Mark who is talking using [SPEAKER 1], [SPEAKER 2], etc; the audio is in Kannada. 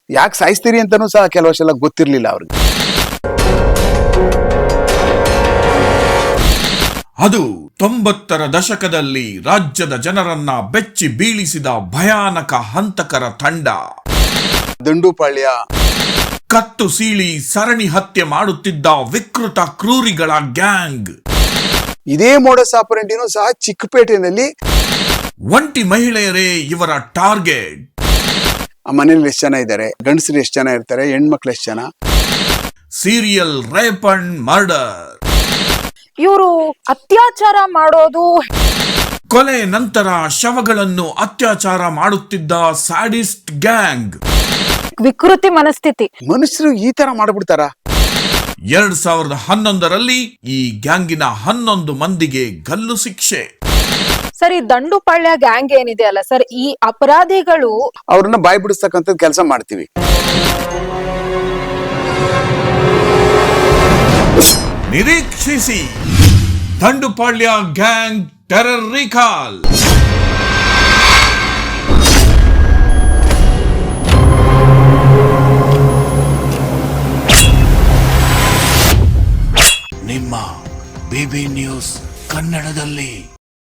[SPEAKER 1] ಯಾಕೆ ಸಾಯಿಸ್ತೀರಿ ಅಂತಾನೂ ಸಹ ಕೆಲವಷ್ಟೆಲ್ಲ ಗೊತ್ತಿರ್ಲಿಲ್ಲ ಅವ್ರಿಗೆ.
[SPEAKER 2] ಅದು 90ರ ದಶಕದಲ್ಲಿ ರಾಜ್ಯದ ಜನರನ್ನ ಬೆಚ್ಚಿ ಬೀಳಿಸಿದ ಭಯಾನಕ ಹಂತಕರ ತಂಡ.
[SPEAKER 1] ದಂಡುಪಾಳ್ಯ
[SPEAKER 2] ಕತ್ತು ಸೀಳಿ ಸರಣಿ ಹತ್ಯೆ ಮಾಡುತ್ತಿದ್ದ ವಿಕೃತ ಕ್ರೂರಿಗಳ ಗ್ಯಾಂಗ್.
[SPEAKER 1] ಇದೇ ಮೋಡಸ್ ಆಪರೆಂಟಿನೂ ಸಹ ಚಿಕ್ಕಪೇಟೆನಲ್ಲಿ.
[SPEAKER 2] ಒಂಟಿ ಮಹಿಳೆಯರೇ ಇವರ ಟಾರ್ಗೆಟ್.
[SPEAKER 1] ಆ ಮನೇಲಿ ಎಷ್ಟು ಜನ ಇದ್ದಾರೆ, ಗಂಡಸರು ಎಷ್ಟು ಜನ ಇರ್ತಾರೆ, ಹೆಣ್ಮಕ್ಳು ಎಷ್ಟು ಜನ.
[SPEAKER 2] Serial rape and murder.
[SPEAKER 3] ಇವರು ಅತ್ಯಾಚಾರ ಮಾಡೋದು,
[SPEAKER 2] ಕೊಲೆ ನಂತರ ಶವಗಳನ್ನು ಅತ್ಯಾಚಾರ ಮಾಡುತ್ತಿದ್ದ ಸ್ಯಾಡಿಸ್ಟ್ ಗ್ಯಾಂಗ್.
[SPEAKER 3] ವಿಕೃತಿ ಮನಸ್ಥಿತಿ.
[SPEAKER 1] ಮನುಷ್ಯರು ಈ ತರ ಮಾಡ್ಬಿಡ್ತಾರ.
[SPEAKER 2] 2011ರಲ್ಲಿ ಈ ಗ್ಯಾಂಗಿನ 11 ಮಂದಿಗೆ ಗಲ್ಲು ಶಿಕ್ಷೆ.
[SPEAKER 3] ಸರ್, ಈ ದಂಡುಪಾಳ್ಯ ಗ್ಯಾಂಗ್ ಏನಿದೆ ಅಲ್ಲ ಸರ್, ಈ ಅಪರಾಧಿಗಳು
[SPEAKER 1] ಅವ್ರನ್ನ ಬಾಯಿ ಬಿಡಿಸ್ತಕ್ಕಂಥ ಕೆಲಸ ಮಾಡ್ತೀವಿ.
[SPEAKER 2] ನಿರೀಕ್ಷಿಸಿ ದಂಡುಪಾಳ್ಯ ಗ್ಯಾಂಗ್ ಟೆರರ್ ರಿಕಾಲ್. ನಿಮ್ಮ ಬಿಬಿ ನ್ಯೂಸ್ ಕನ್ನಡದಲ್ಲಿ.